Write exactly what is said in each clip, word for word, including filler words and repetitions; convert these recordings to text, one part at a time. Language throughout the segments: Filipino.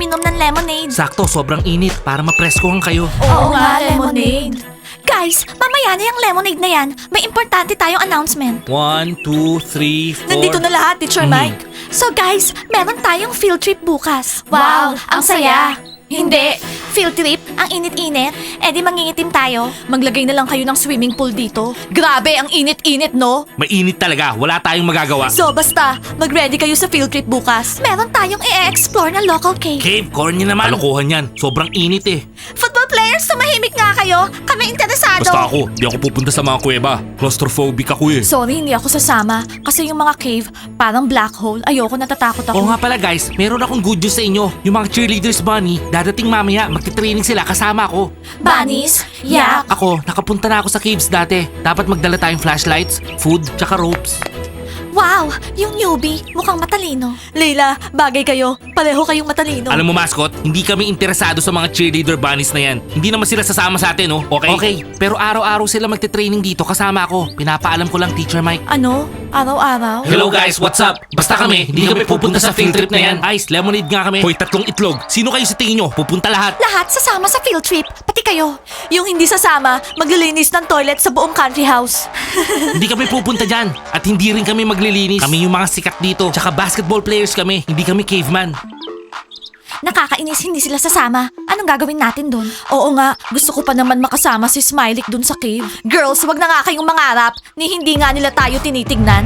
uminom ng lemonade. Sakto, sobrang init para mapreskohan kayo. Oo nga, lemonade. Guys, mamaya na yung lemonade na yan. May importante tayong announcement. One, two, three, four. Nandito na lahat, Teacher Mhm. Mike. So guys, meron tayong field trip bukas. Wow, ang saya. Hindi. Field trip? Ang init-init? Eh di mangingitim tayo. Maglagay na lang kayo ng swimming pool dito. Grabe, ang init-init, no? Mainit talaga, wala tayong magagawa. So basta, mag-ready kayo sa field trip bukas. Meron tayong i-explore na local cave. Cave, corny naman. Kalokohan yan, sobrang init eh. Football players, tumahimik nga kayo. Kami interesado. Basta ako, di ako pupunta sa mga kuweba. Claustrophobic ako eh. Sorry, hindi ako sasama. Kasi yung mga cave, parang black hole. Ayoko, natatakot ako. Oo nga pala guys, meron akong good news sa inyo. Yung mga cheerleaders bunny, dadating mamaya, magti-training sila kasama ako. Bunnies? Yak? Ako, nakapunta na ako sa caves dati. Dapat magdala tayong flashlights, food, tsaka ropes. Wow, yung newbie, mukhang matalino. Leila, bagay kayo. Pareho kayong matalino. Alam mo mascot, hindi kami interesado sa mga cheerleader bunnies na yan. Hindi naman sila sasama sa atin, no? Okay? Okay, pero araw-araw sila magte-training dito kasama ako. Pinapaalam ko lang, Teacher Mike. Ano? Araw-araw? Hello guys, what's up? Basta kami, hindi kami pupunta sa field trip na yan. Ice, lemonade nga kami. Hoy, tatlong itlog. Sino kayo sa tingin nyo? Pupunta lahat. Lahat sasama sa field trip, pati kayo. Yung hindi sasama, maglilinis ng toilet sa buong country house. Hindi kami pupunta dyan. At hindi rin kami maglilinis. Kami yung mga sikat dito. Tsaka basketball players kami. Hindi kami caveman. Nakakainis, hindi sila sasama. Anong gagawin natin doon? Oo nga, gusto ko pa naman makasama si Smiley doon sa cave. Girls, wag na nga kayong mangarap ni hindi nga nila tayo tinitignan.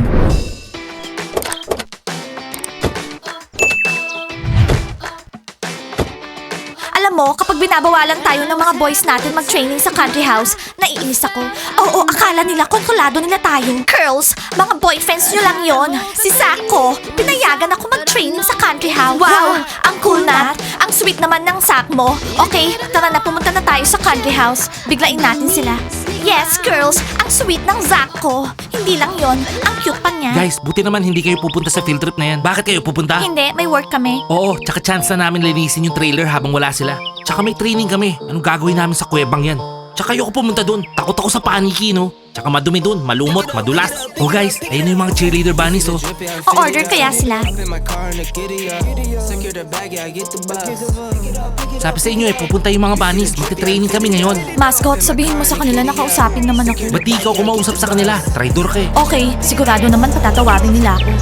Alam mo, kapag binabawalan tayo ng mga boys natin mag-training sa country house, naiinis ako. Oo, akala nila kontrolado nila tayo. Girls, mga boyfriends nyo lang yon. Si Zach ko, pinayagan ako mag-training sa country house. Wow, ang cool Nat. Ang sweet naman ng Zach mo. Okay, tara na, pumunta na tayo sa country house. Biglain natin sila. Yes, girls, ang sweet ng Zach ko. Hindi lang yon, ang cute pa niya. Guys, buti naman hindi kayo pupunta sa field trip na yan. Bakit kayo pupunta? Hindi, may work kami. Oo, tsaka chance na namin linisin yung trailer habang wala sila. Tsaka may training kami. Anong gagawin namin sa kuwebang yan? Tsaka ayoko pumunta dun. Takot ako sa paniki, no? Tsaka madumi dun, malumot, madulas. Oh guys, ayun na yung mga cheerleader bunnies, oh. O-order kaya sila? Sabi sa inyo eh, pupunta yung mga bunnies. Magte-training kami ngayon. Mascot, sabihin mo sa kanila na kausapin naman ako. Ba't di ikaw kumausap sa kanila? Traidor ka eh. Okay, sigurado naman patatawarin nila ako.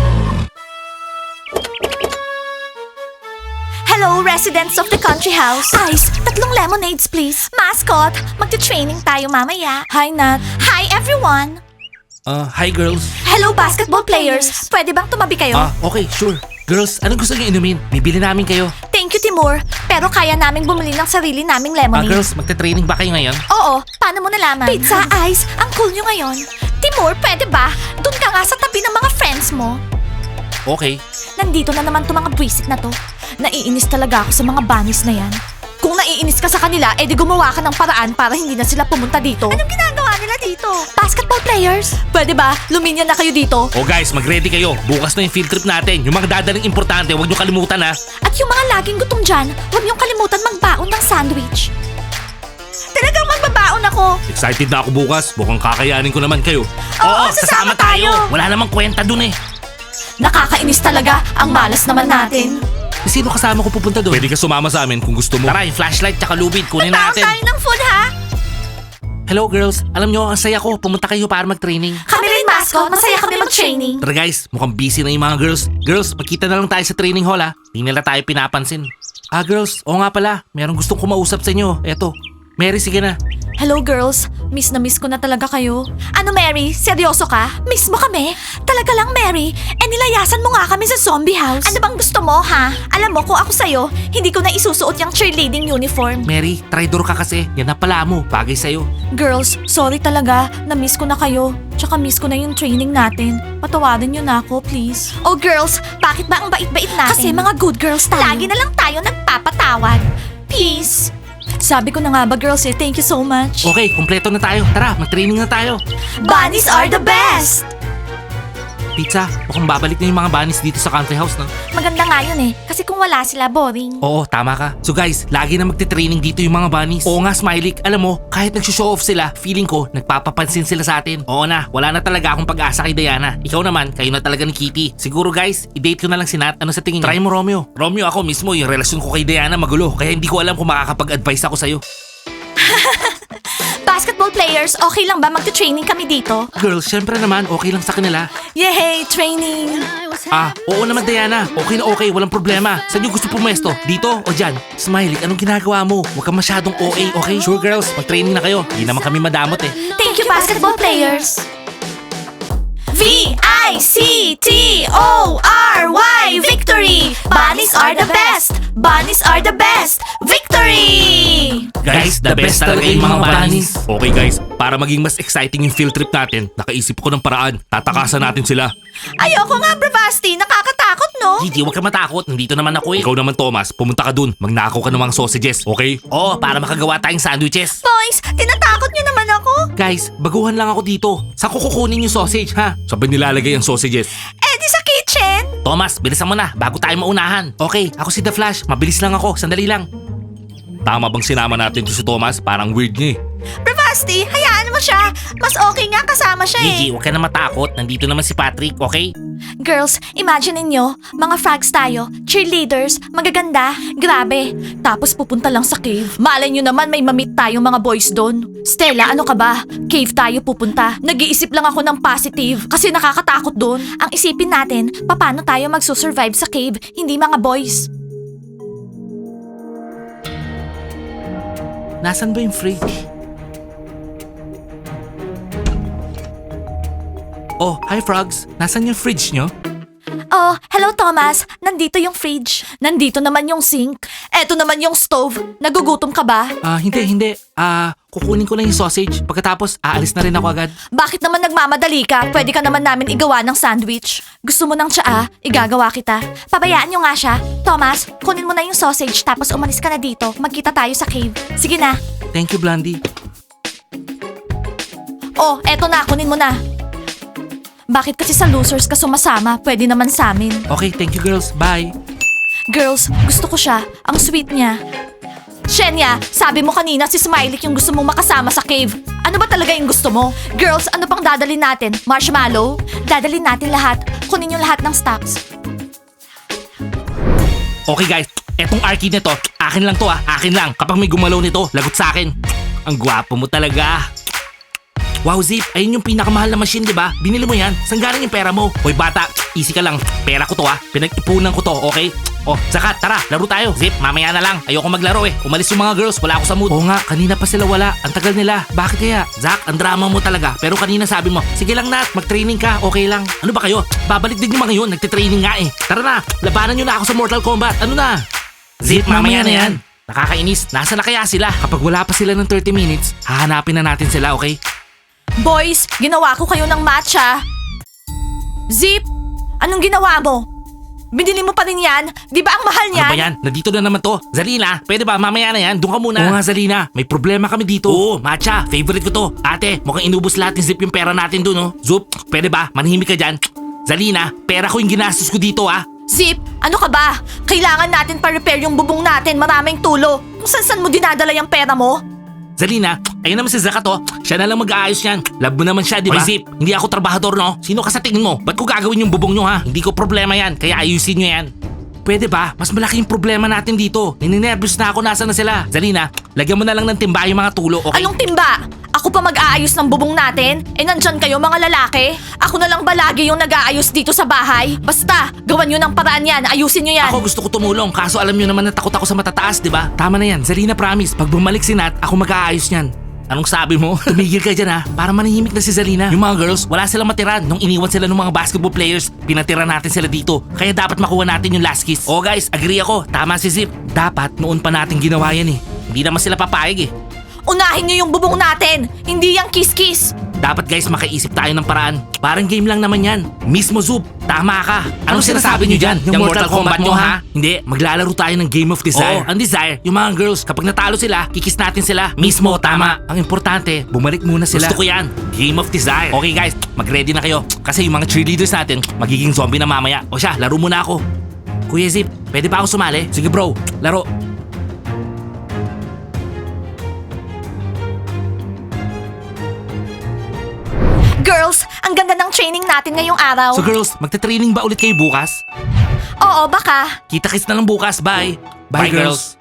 Hello, residents of the country house. Ice, tatlong lemonades, please. Mascot, magte-training tayo mamaya. Hi, Nat. Hi, everyone. Uh, hi girls. Hello, basketball players. Pwede bang tumabi kayo? Ah, okay, sure. Girls, anong gusto niyo inumin? Bibili namin kayo. Thank you, Timur. Pero kaya naming bumili ng sarili naming Ah, lemonade. girls, magte-training ba kayo ngayon? Oo, paano mo nalaman? Pizza, Ice, ang cool nyo ngayon. Timur, pwede ba? Doon ka nga sa tabi ng mga friends mo. Okay. Nandito na naman to mga buwisit na to. Naiinis talaga ako sa mga bunnies na yan. Kung naiinis ka sa kanila, edi gumawa ka ng paraan para hindi na sila pumunta dito. Anong ginagawa nila dito? Basketball players? Pwede ba? Luminya na kayo dito. Oh guys, mag-ready kayo. Bukas na yung field trip natin. Yung mga dadaling importante, huwag niyo kalimutan ha. At yung mga laging gutom dyan, huwag niyong kalimutan magbaon ng sandwich. Talagang magbabaon ako. Excited na ako bukas. Mukhang kakayanin ko naman kayo. Oo, sasama tayo. Wala namang kwenta dun eh. Nakakainis talaga. Ang malas naman natin. Sino kasama ko pupunta doon? Pwede ka sumama sa amin kung gusto mo. Tara, yung flashlight tsaka lubid, kunin Nagbaon natin. tayo ng food, ha? Hello girls, alam nyo, ang saya ko. Pumunta kayo para mag-training. Kami rin, mascot. Masaya kami mag-training. Tara guys, mukhang busy na yung mga girls. Girls, magkita na lang tayo sa training hall ha. Hindi nila tayo pinapansin. Ah girls, oo nga pala. Merong gustong kumausap sa inyo. Eto, Mary, sige na. Hello girls, miss na miss ko na talaga kayo. Ano Mary, seryoso ka? Miss mo kami? Talaga lang Mary, eh nilayasan mo nga kami sa zombie house. Ano bang gusto mo ha? Alam mo kung ako sa'yo, hindi ko na isusuot yung cheerleading uniform. Mary, traidor ka kasi. Yan na pala mo, bagay sa'yo. Girls, sorry talaga, na-miss ko na kayo. Tsaka miss ko na yung training natin. Patawarin niyo na ako, please. Oh girls, bakit ba ang bait-bait natin? Kasi mga good girls tayo. Lagi na lang tayo nagpapatawad. Peace. Sabi ko na nga ba girls eh, thank you so much. Okay, kumpleto na tayo. Tara, mag-training na tayo. Bunnies are the best! Pizza, mukhang babalik na yung mga bunnies dito sa country house, no? Maganda nga yun eh. Kasi kung wala sila, boring. Oo, tama ka. So guys, lagi na magte-training dito yung mga bunnies. Oo nga, Smiley. Alam mo, kahit nag-show off sila, feeling ko, nagpapapansin sila sa atin. Oo na, wala na talaga akong pag-asa kay Diana. Ikaw naman, kayo na talaga ni Kitty. Siguro guys, i-date ko na lang si Nat. Ano sa tingin niyo? Try mo, Romeo. Romeo, ako mismo, yung relasyon ko kay Diana magulo. Kaya hindi ko alam kung makakapag-advise ako sa'yo. Basketball players, okay lang ba magte-training kami dito? Girls, syempre naman, okay lang sa kanila. Yay, training! Ah, oo naman Diana. Okay na okay, walang problema. Saan yung gusto pumesto? Dito o dyan? Smiley, anong ginagawa mo? Huwag kang masyadong O A, okay? Sure girls, mag-training na kayo. Hindi naman kami madamot eh. Thank you, basketball players! V I C T O R Y Victory! Bunnies are the best! Bunnies are the best! Victory! Guys, the best talaga yung mga bunnies. Okay guys, para maging mas exciting yung field trip natin, nakaisip ko ng paraan. Tatakasan natin sila. Ayoko nga, Bravasti. Nakakatakot, no? Gigi, huwag ka matakot. Nandito naman ako eh. Ikaw naman Thomas, pumunta ka dun. Magnakaw ka ng mga sausages, okay? Oo, para makagawa tayong sandwiches. Boys, tinatakot niyo naman ako. Guys, baguhan lang ako dito. Saan ko kukunin yung sausage, ha? Saan ba nilalagay ang sausages? Eh, di sa kitchen. Thomas, bilisan mo na bago tayo maunahan. Okay, ako si The Flash. Mabilis lang ako. Sandali lang. Tama bang sinama natin to si Thomas? Parang weird niya eh. Bravasti, hayaan mo siya. Mas okay nga kasama siya eh. Gigi, huwag ka na matakot. Nandito naman si Patrick, okay? Girls, imagine ninyo, mga frogs tayo, cheerleaders, magaganda, grabe. Tapos pupunta lang sa cave. Malay nyo naman may mamit tayong mga boys doon. Stella, ano ka ba? Cave tayo pupunta. Nag-iisip lang ako ng positive kasi nakakatakot doon. Ang isipin natin, paano tayo magsusurvive sa cave, hindi mga boys. Nasaan ba yung fridge? Oh, hi frogs. Nasaan yung fridge nyo? Oh, hello Thomas. Nandito yung fridge. Nandito naman yung sink. Eto naman yung stove. Nagugutom ka ba? Ah, hindi, hindi. Ah, kukunin ko lang yung sausage. Pagkatapos, aalis na rin ako agad. Bakit naman nagmamadali ka? Pwede ka naman namin igawa ng sandwich. Gusto mo ng tsaa? Igagawa kita. Pabayaan nyo nga siya. Thomas, kunin mo na yung sausage tapos umalis ka na dito. Magkita tayo sa cave. Sige na. Thank you, Blondie. Oh, eto na. Kunin mo na. Bakit kasi sa losers ka sumasama? Pwede naman sa amin. Okay, thank you girls. Bye. Girls, gusto ko siya. Ang sweet niya. Shenya, sabi mo kanina si Smiley yung gusto mong makasama sa cave. Ano ba talaga yung gusto mo? Girls, ano pang dadalhin natin? Marshmallow? Dadalhin natin lahat. Kunin yung lahat ng stocks. Okay guys, etong arcade nito, akin lang to ah. Akin lang. Kapag may gumalaw nito, lagot sa akin. Ang gwapo mo talaga. Wow, Zip, ayun yung pinakamahal na machine, di ba? Binili mo yan? Saan galing yung pera mo? Hoy bata, easy ka lang. Pera ko to ah. Pinag-ipunan ko to, okay? Oh, Zakat, tara, laro tayo. Zip, mamaya na lang. Ayoko maglaro eh. Umalis yung mga girls, wala ako sa mood. Oo nga, kanina pa sila wala. Ang tagal nila. Bakit kaya? Zach, ang drama mo talaga. Pero kanina sabi mo, sige lang Nat, mag-training ka, okay lang. Ano ba kayo? Babalik din yung mga yun, nagtitraining nga eh. Tara na, labanan nyo na ako sa Mortal Kombat. Ano na? Zip, mamaya na yan. Nakakainis, nasa na kaya sila? Kapag wala pa sila ng thirty minutes, hahanapin na natin sila, okay? Boys, ginawa ko kayo ng matcha. Zip, anong ginawa mo? Binili mo pa rin yan? Di ba ang mahal niyan? Ano ba yan? Nandito na naman to. Zalina, pwede ba? Mamaya na yan. Doon ka muna. Oo nga, Zalina. May problema kami dito. Oo, matcha. Favorite ko to. Ate, mukhang inubos lahat ni Zip yung pera natin doon, oh. Zup, pwede ba? Manahimik ka dyan. Zalina, pera ko yung ginastos ko dito, ah. Zip, ano ka ba? Kailangan natin pa-repair yung bubong natin. Maraming tulo. Kung saan-saan mo dinadala yung pera mo? Zalina, ayun naman si Zakat, oh. Siya na lang mag-aayos yan. Love mo naman siya, di ba? Hoy, Zip, hindi ako trabahador, no? Sino ka sa tingin mo? Ba't ko gagawin yung bubong nyo, ha? Hindi ko problema yan, kaya ayusin nyo yan. Pwede ba? Mas malaki yung problema natin dito. Nininervous na ako, nasa na sila. Zalina, lagyan mo na lang ng timba yung mga tulo, okay? Anong timba? Ako pa mag-aayos ng bubong natin? Eh nandyan kayo mga lalaki? Ako na lang ba lagi yung nag-aayos dito sa bahay? Basta, gawan nyo ng paraan yan. Ayusin nyo yan. Ako gusto ko tumulong, kaso alam nyo naman na takot ako sa matataas, di ba? Tama na yan, Zalina promise. Pag bumalik si Nat, ako mag-aayos niyan. Anong sabi mo? Tumigil ka dyan ha, para manahimik na si Zalina. Yung mga girls, wala silang matira. Nung iniwan sila ng mga basketball players, pinatira natin sila dito. Kaya dapat makuha natin yung last kiss. Oh guys, agree ako. Tama si Zip. Dapat noon pa natin ginawa yan eh. Hindi naman sila papayag eh. Unahin niyo yung bubong natin, hindi yung kiss-kiss. Dapat guys, makaisip tayo ng paraan. Parang game lang naman yan. Mismo Zoop, tama ka. Anong sinasabi nyo dyan? Yung Mortal Kombat nyo ha? Hindi, maglalaro tayo ng Game of Desire. Oo, ang desire, yung mga girls, kapag natalo sila, kikis natin sila. Mismo, tama. Ang importante, bumalik muna sila. Gusto ko yan, Game of Desire. Okay guys, mag-ready na kayo. Kasi yung mga cheerleaders natin, magiging zombie na mamaya. O siya, laro muna ako. Kuya Zip, pwede ba ako sumali? Sige bro, laro. Girls, ang ganda ng training natin ngayong araw. So girls, magte-training ba ulit kayo bukas? Oo, baka. Kita-kits na lang bukas, bye. Bye, girls.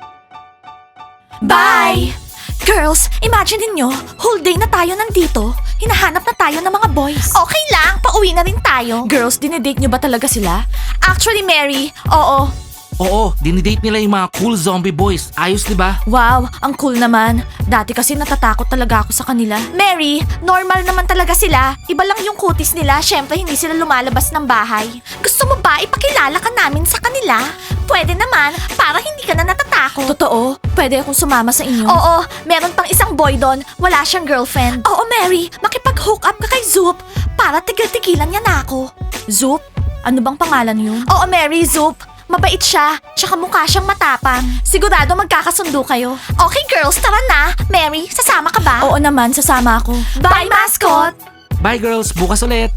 Bye! Girls, imagine ninyo, whole day na tayo nandito. Hinahanap na tayo ng mga boys. Okay lang, pauwi na rin tayo. Girls, dinedate nyo ba talaga sila? Actually, Mary, oo. Oo, dinidate nila yung mga cool zombie boys. Ayos, di ba? Wow, ang cool naman. Dati kasi natatakot talaga ako sa kanila. Mary, normal naman talaga sila. Iba lang yung kutis nila, syempre hindi sila lumalabas ng bahay. Gusto mo ba ipakilala ka namin sa kanila? Pwede naman, para hindi ka na natatakot. Totoo? Pwede akong sumama sa inyo? Oo, meron pang isang boy doon. Wala siyang girlfriend. Oo, Mary, makipag-hook up ka kay Zoop para tigil-tigilan niya na ako. Zoop? Ano bang pangalan yun? Oo, Mary, Zoop. Mabait siya, tsaka mukha siyang matapang. Sigurado magkakasundo kayo. Okay girls, tara na. Mary, sasama ka ba? Oo naman, sasama ako. Bye, mascot! Bye girls, bukas ulit.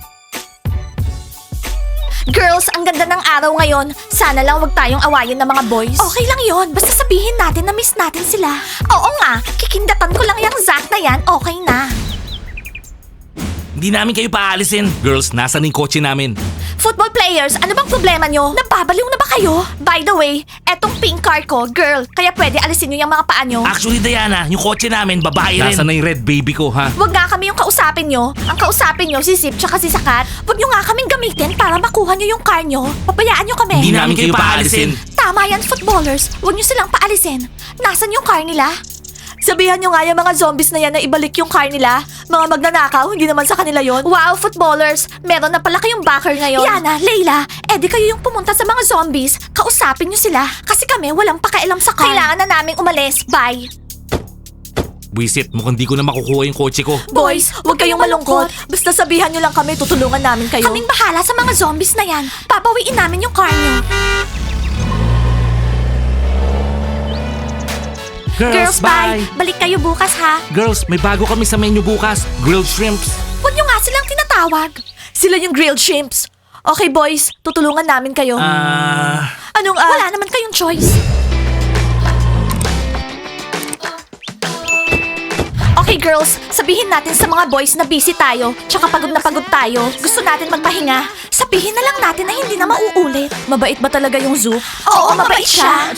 Girls, ang ganda ng araw ngayon. Sana lang wag tayong awayin ng mga boys. Okay lang yon, basta sabihin natin na miss natin sila. Oo nga, kikindatan ko lang yung Zack na yan, okay na. Hindi namin kayo paalisin. Girls, nasa na yung kotse namin? Football players, ano bang problema nyo? Nababaliw na ba kayo? By the way, etong pink car ko, girl, kaya pwede alisin nyo yung mga paa nyo. Actually, Diana, yung kotse namin, babae rin. Nasa na yung red baby ko, ha? Huwag nga kami yung kausapin nyo. Ang kausapin nyo, si Zip tsaka si Sakat. Huwag nyo nga kaming gamitin para makuha nyo yung car nyo. Pabayaan nyo kami. Hindi namin kayo paalisin. Tama yan, footballers. Huwag nyo silang paalisin. Nasaan yung car nila? Sabihan nyo nga yung mga zombies na yan na ibalik yung car nila. Mga magnanakaw, hindi naman sa kanila yon. Wow, footballers! Meron na pala kayong backer ngayon. Yana, Layla, edi kayo yung pumunta sa mga zombies. Kausapin nyo sila. Kasi kami walang pakialam sa car. Kailangan na naming umalis. Bye! Buisit, mukhang di ko na makukuha yung kotse ko. Boys, huwag kayong malungkot. Basta sabihan nyo lang kami, tutulungan namin kayo. Kaming bahala sa mga zombies na yan. Papawiin namin yung car nyo. Girls, bye! Balik kayo bukas ha. Girls, may bago kami sa menu bukas. Grilled shrimps. Huwag nyo nga silang tinatawag. Sila yung grilled shrimps. Okay boys, tutulungan namin kayo. Ah... Anong ah? Wala naman kayong choice. Okay girls, sabihin natin sa mga boys na busy tayo, tsaka pagod na pagod tayo. Gusto natin magpahinga. Sabihin na lang natin na hindi na mauulit. Mabait ba talaga yung Zoop? Oo, mabait siya.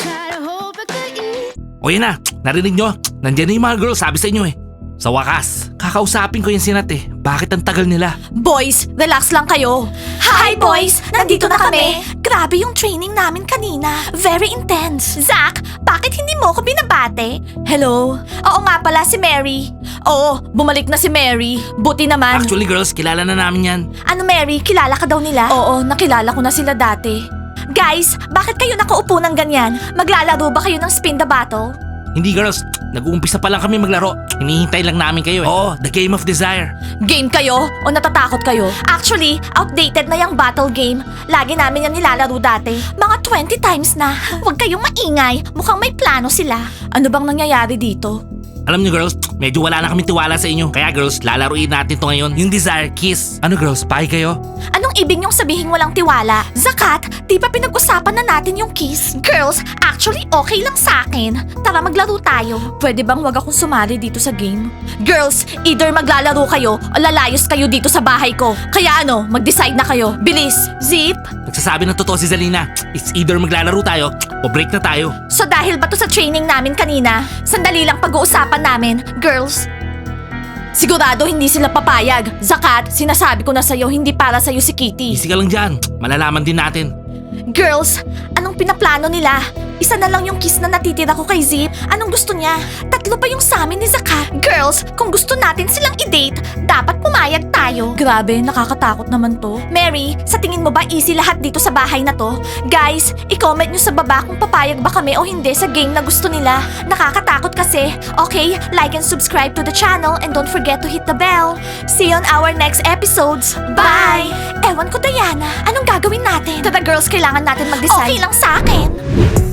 O yun na, narinig nyo? Nandiyan na yung mga girls, sabi sa inyo eh. Sa wakas, kakausapin ko yung sinat eh. Bakit ang tagal nila? Boys, relax lang kayo. Hi boys, nandito na kami. Grabe yung training namin kanina. Very intense. Zack, bakit hindi mo ko binabate? Hello? Oo nga pala, si Mary. Oo, bumalik na si Mary. Buti naman. Actually girls, kilala na namin yan. Ano Mary, kilala ka daw nila? Oo, nakilala ko na sila dati. Guys, bakit kayo nakaupo ng ganyan? Maglalaro ba kayo ng spin the bottle? Hindi girls, nag-uumpisa pa lang kami maglaro. Hinihintay lang namin kayo eh. Oo, the Game of Desire. Game kayo o natatakot kayo? Actually, outdated na yung battle game. Lagi namin yan nilalaro dati. Mga twenty times na. Huwag kayong maingay. Mukhang may plano sila. Ano bang nangyayari dito? Alam niyo girls, medyo wala na kami tiwala sa inyo. Kaya girls, lalaruin natin to ngayon. Yung Desire Kiss. Ano girls, pahay kayo? Anong ibig niyong sabihin walang tiwala? Zakat, di ba pinag-usapan na natin yung kiss? Girls, actually okay lang sa akin. Tara maglaro tayo. Pwede bang wag akong sumali dito sa game? Girls, either maglalaro kayo o lalayos kayo dito sa bahay ko. Kaya ano, mag-decide na kayo. Bilis! Zip! Nagsasabi ng totoo si Zalina. It's either maglalaro tayo o break na tayo. So dahil ba to sa training namin kanina, sandali lang pag-uusapan namin, girls? Sigurado hindi sila papayag. Zakat, sinasabi ko na sa'yo, hindi para sa'yo si Kitty. Easy ka lang dyan. Malalaman din natin. Girls, anong pinaplano nila? Isa na lang yung kiss na natitira ko kay Zip. Anong gusto niya? Tatlo pa yung sa amin ni Zakat. Girls, kung gusto natin silang i-date, dapat pumayag tayo. Grabe, nakakatakot naman to. Mary, sa tingin mo ba easy lahat dito sa bahay na to? Guys, i-comment nyo sa baba kung papayag ba kami o hindi sa game na gusto nila. Nakakatakot kasi. Okay, like and subscribe to the channel and don't forget to hit the bell. See you on our next episodes. Bye! Ewan ko, Diana. Anong gagawin natin? Tara girls, kailangan natin mag-decide. Okay lang sa akin.